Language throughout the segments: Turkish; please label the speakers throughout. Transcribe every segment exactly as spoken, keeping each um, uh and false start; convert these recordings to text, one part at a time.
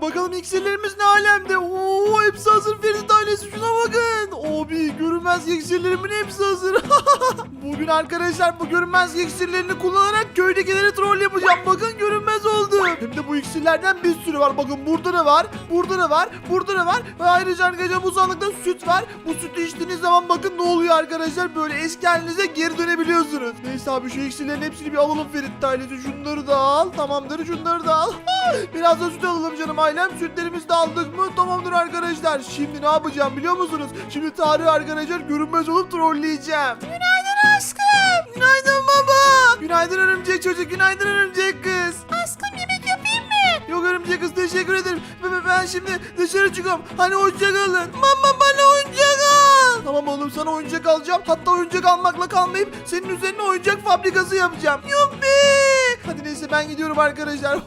Speaker 1: bakalım iksirlerimiz ne alemde. Oo, hepsi hazır Ferit ailesi, şuna bakın. Abi görünmez iksirlerimin hepsi hazır. Bugün arkadaşlar bu görünmez iksirlerini kullanarak köydekileri troll yapacağım. Bakın görünmez oldu. Hem de bu iksirlerden bir sürü var. Bakın burada da var. Burada da var. Burada da var. Ve ayrıca arkadaşlar bu sandıkta süt var. Bu sütü içtiğiniz zaman bakın ne oluyor arkadaşlar. Böyle eski halinize geri dönebiliyorsunuz. Neyse abi şu iksirlerin hepsini bir alalım Ferit ailesi. Şunları da al. Tamamdır, şunları da al. Biraz da süt alalım canım ailem. Sütlerimizi de aldık mı? Tamamdır arkadaşlar. Şimdi ne yapacağım biliyor musunuz? Şimdi Tarık'ı arkadaşlar görünmez olup trolleyeceğim.
Speaker 2: Günaydın aşkım.
Speaker 1: Günaydın baba. Günaydın örümcek çocuk. Günaydın örümcek kız.
Speaker 2: Aşkım yemek yapayım mı?
Speaker 1: Yok örümcek kız, teşekkür ederim. Ben, ben şimdi dışarı çıkıyorum. Hani oyuncak alın. Mama bana oyuncak al. Tamam oğlum, sana oyuncak alacağım. Hatta oyuncak almakla kalmayıp senin üzerine oyuncak fabrikası yapacağım. Yuppi. Hadi neyse ben gidiyorum arkadaşlar.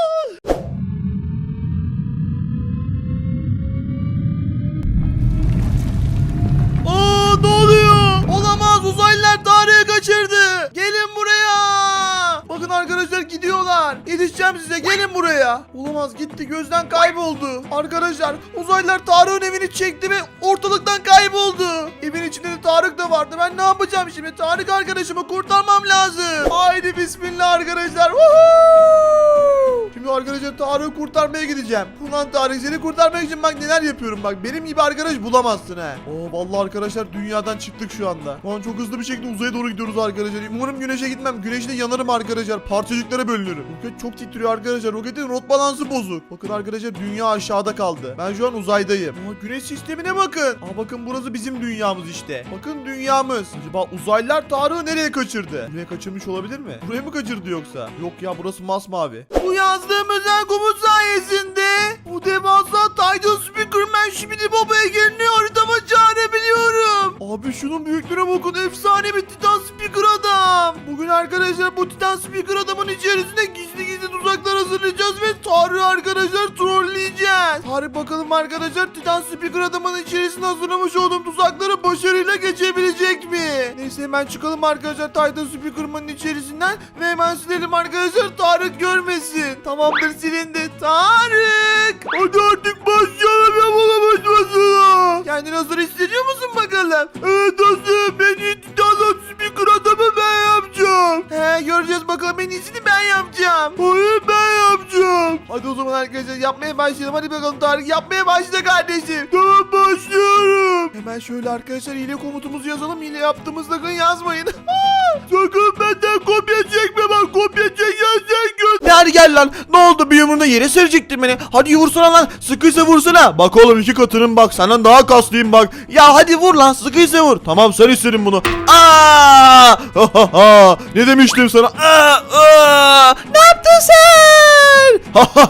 Speaker 1: Aa, ne oluyor? Olamaz, uzaylılar Tarık'ı kaçırdı. Gelin buraya. Bakın arkadaşlar gidiyorlar. Yetişeceğim size, gelin buraya. Olamaz, gitti, gözden kayboldu. Arkadaşlar uzaylılar Tarık'ın evini çekti ve ortalıktan kayboldu. Evin içinde de Tarık da vardı. Ben ne yapacağım şimdi? Tarık arkadaşımı kurtarmam lazım. Haydi bismillah arkadaşlar. Woohoo! Şimdi arkadaşlar Tarık'ı kurtarmaya gideceğim. Ulan Tarık, seni kurtarmak için bak neler yapıyorum bak. Benim gibi arkadaş bulamazsın he. Oo vallahi arkadaşlar dünyadan çıktık şu anda. Şu an çok hızlı bir şekilde uzaya doğru gidiyoruz arkadaşlar. Umarım güneşe gitmem. Güneşte yanarım arkadaşlar. Parçacıklara bölünürüm. Roket çok titriyor arkadaşlar. Roketin rot balansı bozuk. Bakın arkadaşlar dünya aşağıda kaldı. Ben şu an uzaydayım. Aa, güneş sistemine bakın. Aa, bakın burası bizim dünyamız işte. Bakın dünyamız. Acaba uzaylılar Tarık'ı nereye kaçırdı? Buraya kaçırmış olabilir mi? Buraya mı kaçırdı yoksa? Yok ya, burası masmavi. Bu yazdığım özel komut sayesinde bu devasa Titan Speakerman şimdi babaya gelini haritama çağırabiliyorum. Abi şunun büyüklüğüne bakın, efsane bir Titan Speaker adam. Bugün arkadaşlar bu Titan Speaker adamın içerisinde gizli gizli tuzaklar hazırlayacağız ve Tarık'ı arkadaşlar trolleyeceğiz. Tarık bakalım arkadaşlar Titan Speaker adamın içerisinde hazırlamış olduğum tuzakları başarıyla geçebilecek mi? Neyse hemen çıkalım arkadaşlar Titan Speaker'ın içerisinden ve hemen silelim arkadaşlar, Tarık görmesin. Tamamdır, silindi. Tarık! Hadi artık başlayalım, yapalım başlasın. Kendini hazır hissediyor musun bakalım? Evet dostum, en iyi Titan Speaker adamı ben yapacağım. He, göreceğiz bakalım, en iyisini ben yapacağım. Hayır, ben yapacağım. Hadi o zaman arkadaşlar yapmaya başlayalım. Hadi bakalım Tarık, yapmaya başla kardeşim. Tamam, başlıyorum. Hemen şöyle arkadaşlar hile komutumuzu yazalım. Hile yaptığımız sakın yazmayın. Sakın benden kopya çekme, bak kopya çekersen göt.
Speaker 3: Ne hadi gel lan. Ne oldu, bir yumruğunda yere serecektin beni. Hadi vursana lan. Sıkıysa vursana. Bak oğlum, iki katının bak. Senden daha kaslıyım bak. Ya hadi vur lan. Sıkıysa vur. Tamam, sen istedin bunu. Aa! Ne demiştim sana? Aa! Aa! Ne yaptın sen?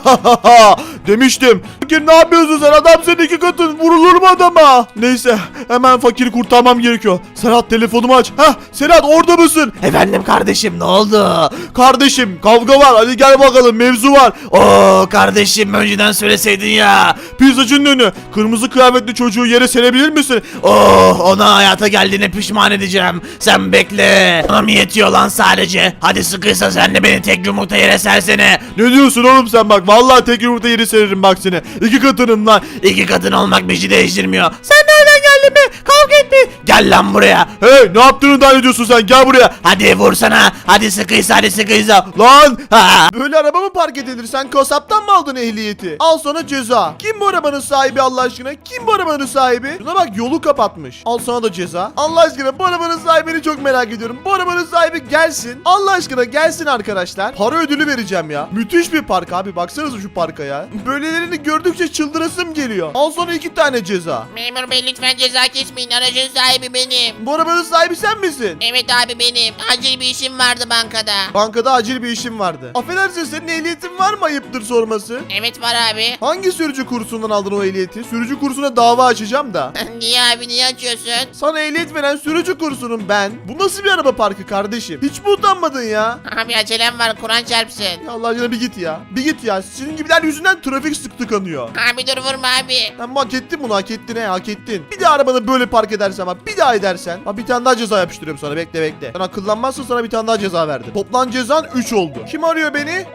Speaker 3: Demiştim. Fakir, ne yapıyorsun sen? Adam senin iki katın. Vurulur mu adama? Neyse, hemen fakiri kurtarmam gerekiyor. Serhat, telefonumu aç. Heh, Serhat, orada mısın?
Speaker 2: Efendim kardeşim, ne oldu?
Speaker 3: Kardeşim, kavga var. Hadi gel bakalım, mevzu var.
Speaker 2: Oo kardeşim, önceden söyleseydin ya.
Speaker 3: Pizzacının önü. Kırmızı kıyafetli çocuğu yere serebilir misin?
Speaker 2: Oh, ona hayata geldiğine pişman edeceğim. Sen bekle. Ona mı yetiyor lan sadece? Hadi sıkıysa sen de beni tek yumrukta yere sersene.
Speaker 3: Ne diyorsun oğlum sen bak. Vallahi tek yumurta yeri sererim bak seni. İki katının lan.
Speaker 2: İki kadın olmak bir şey değiştirmiyor. Sen nereden geldin be? Kavga etme. Gel lan buraya.
Speaker 3: Hey, ne yaptığını da ediyorsun sen? Gel buraya.
Speaker 2: Hadi vursana. Hadi sıkıysa, hadi sıkıysa.
Speaker 3: Lan.
Speaker 2: Ha.
Speaker 1: Böyle araba mı park edilir? Sen kasaptan mı aldın ehliyeti? Al sana ceza. Kim bu arabanın sahibi Allah aşkına? Kim bu arabanın sahibi? Şuna bak, yolu kapatmış. Al sana da ceza. Allah aşkına bu arabanın sahibini çok merak ediyorum. Bu arabanın sahibi gelsin. Allah aşkına gelsin arkadaşlar. Para ödülü vereceğim ya. Müthiş bir park abi. Baksanıza şu parka ya. Böylelerini gördükçe çıldırasım geliyor. Al sana iki tane ceza.
Speaker 4: Memur bey lütfen ceza kesmeyin. Aracın sahibi benim.
Speaker 1: Bu arabanın sahibi sen misin?
Speaker 4: Evet abi benim. Acil bir işim vardı bankada.
Speaker 1: Bankada acil bir işim vardı. Affedersin, senin ehliyetin var mı, ayıptır sorması?
Speaker 4: Evet var abi.
Speaker 1: Hangi sürücü kursundan aldın o ehliyeti? Sürücü kursuna dava açacağım da.
Speaker 4: Niye abi, niye açıyorsun?
Speaker 1: Sana ehliyet veren sürücü kursunun ben. Bu nasıl bir araba parkı kardeşim? Hiç mi utanmadın ya?
Speaker 4: Abi acelem var, Kur'an çarpsın.
Speaker 1: Ya Allah aşkına bir git ya. Bir git ya. Senin gibiler yüzünden trafik sık tıkanıyor.
Speaker 4: Abi dur vurma abi.
Speaker 1: Sen hak ettin bunu, hak ettin he, hak ettin. Bir daha arabanı böyle park edersen ama bir daha edersen. Ha, bir tane daha ceza yapıştırıyorum sana, bekle bekle. Sen akıllanmazsan sana bir tane daha ceza verdim. Toplam cezan üç oldu. Kim arıyor beni?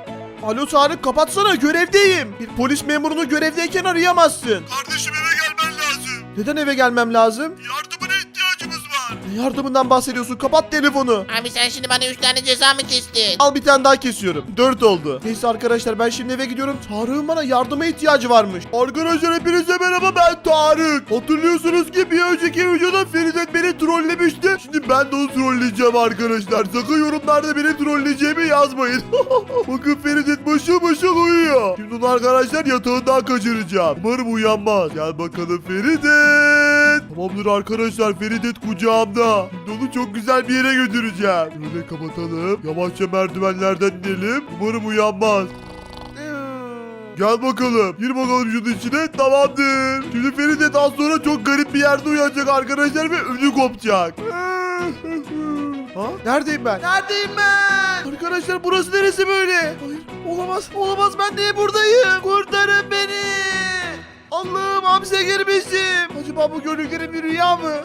Speaker 1: Alo Tarık, kapatsana, görevdeyim. Bir polis memurunu görevdeyken arayamazsın.
Speaker 3: Kardeşim eve gelmen lazım.
Speaker 1: Neden eve gelmem lazım?
Speaker 3: Yardımına ihtiyacımız var.
Speaker 1: Ne yardımından bahsediyorsun? Kapat telefonu.
Speaker 4: Abi sen şimdi bana üç tane ceza mı kestin?
Speaker 1: Al bir tane daha kesiyorum. Dört oldu. Neyse arkadaşlar, ben şimdi eve gidiyorum. Tarık'ın bana yardıma ihtiyacı varmış. Arkadaşlar hepinize merhaba, ben Tarık. Hatırlıyorsunuz ki bir önceki videoda Feridet beni trollemişti. Şimdi ben de onu trolleyeceğim arkadaşlar. Sakın yorumlarda beni trolleyeceğimi yazmayın. Bakın Feridet başa başa uyuyor. Şimdi onu arkadaşlar yatağından kaçıracağım. Umarım uyanmaz. Gel bakalım Feridet. Tamamdır arkadaşlar, Feridet kucağımda. Şimdi onu çok güzel bir yere götüreceğim. Böyle kapatalım. Yavaşça merdivenlerden inelim. Umarım uyanmaz. Gel bakalım. Gir bakalım şunun içine. Tamamdır. Şimdi Feridet az sonra çok garip bir yerde uyanacak arkadaşlar ve ödü kopacak. Ha? Neredeyim ben? Neredeyim ben? Arkadaşlar burası neresi böyle? Hayır, olamaz. Olamaz, ben niye buradayım? Kurtarın beni. Allah'ım, hapse girmişim. Acaba bu gördüklerim bir rüya mı?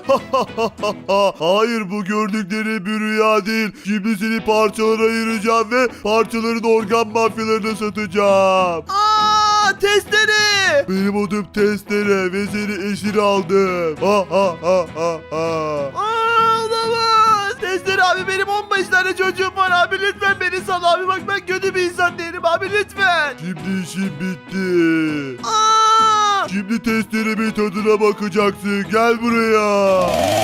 Speaker 1: Hayır, bu gördükleri bir rüya değil. Şimdi seni parçalara ayıracağım ve parçaların organ mafyalarına satacağım. Aa, testere. Benim adım Testere ve seni esir aldım. Ha ha ha ha ha. Aa, olamaz. Testere abi, benim on beş tane çocuğum var abi, lütfen beni sal abi, bak ben kötü bir insan değilim abi, lütfen. Şimdi işim bitti. Aa! Şimdi testeremin tadına bakacaksın, gel buraya.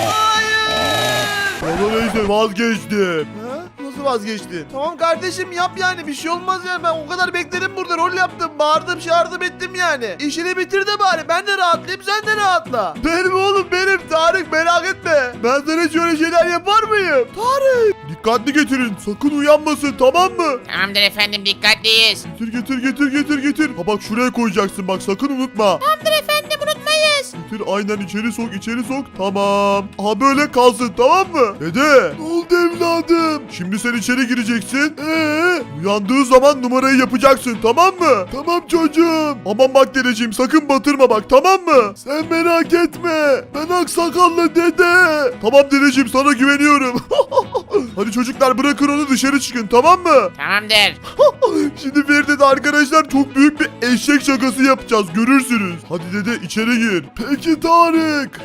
Speaker 1: Hayır. Bana neyse, vazgeçtim. Ha? Nasıl vazgeçtin? Tamam kardeşim, yap yani, bir şey olmaz yani, ben o kadar bekledim burada, rol yaptım, bağırdım, çağırdım ettim yani. İşini bitir de bari, ben de rahatlayayım, sen de rahatla. Benim oğlum, benim Tarık, merak etme. Ben sana şöyle şeyler yapar mıyım? Tarık. Dikkatli getirin, sakın uyanmasın, tamam mı?
Speaker 4: Tamamdır efendim, dikkatliyiz.
Speaker 3: Getir getir getir getir getir. Ha bak, şuraya koyacaksın bak, sakın unutma.
Speaker 4: Tamamdır efendim, unutmayız.
Speaker 3: Getir, aynen, içeri sok içeri sok. Tamam. Aha böyle kalsın, tamam mı? Dede. Ne oldu evladım? Şimdi sen içeri gireceksin. Ee, uyandığı zaman numarayı yapacaksın, tamam mı? Tamam çocuğum. Aman bak dedeciğim, sakın batırma bak, tamam mı? Sen merak etme. Ben aksakallı dede. Tamam dedeciğim, sana güveniyorum. Hadi çocuklar, bırakın onu, dışarı çıkın, tamam mı?
Speaker 4: Tamamdır.
Speaker 3: Şimdi Feride de arkadaşlar çok büyük bir eşek şakası yapacağız, görürsünüz. Hadi dede, içeri gir. Peki Tarık.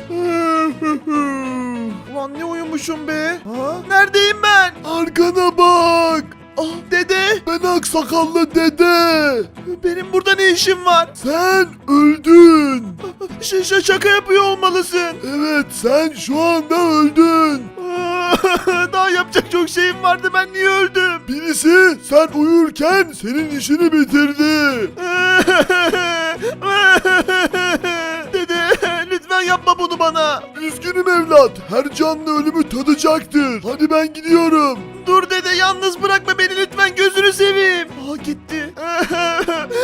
Speaker 1: Ulan ne uyumuşum be? Ha? Neredeyim ben?
Speaker 3: Arkana bak.
Speaker 1: Ah dede.
Speaker 3: Ben aksakallı dede.
Speaker 1: Benim burada ne işim var?
Speaker 3: Sen öldün.
Speaker 1: Ş- ş- şaka yapıyor olmalısın.
Speaker 3: Evet, sen şu anda öldün.
Speaker 1: Daha yapacak çok şeyim vardı, ben niye öldüm?
Speaker 3: Birisi sen uyurken senin işini bitirdi.
Speaker 1: Dede lütfen yapma bunu bana.
Speaker 3: Üzgünüm evlat. Her canlı ölümü tadacaktır. Hadi ben gidiyorum.
Speaker 1: Dur dede, yalnız bırakma beni lütfen, gözünü seveyim. Aa gitti.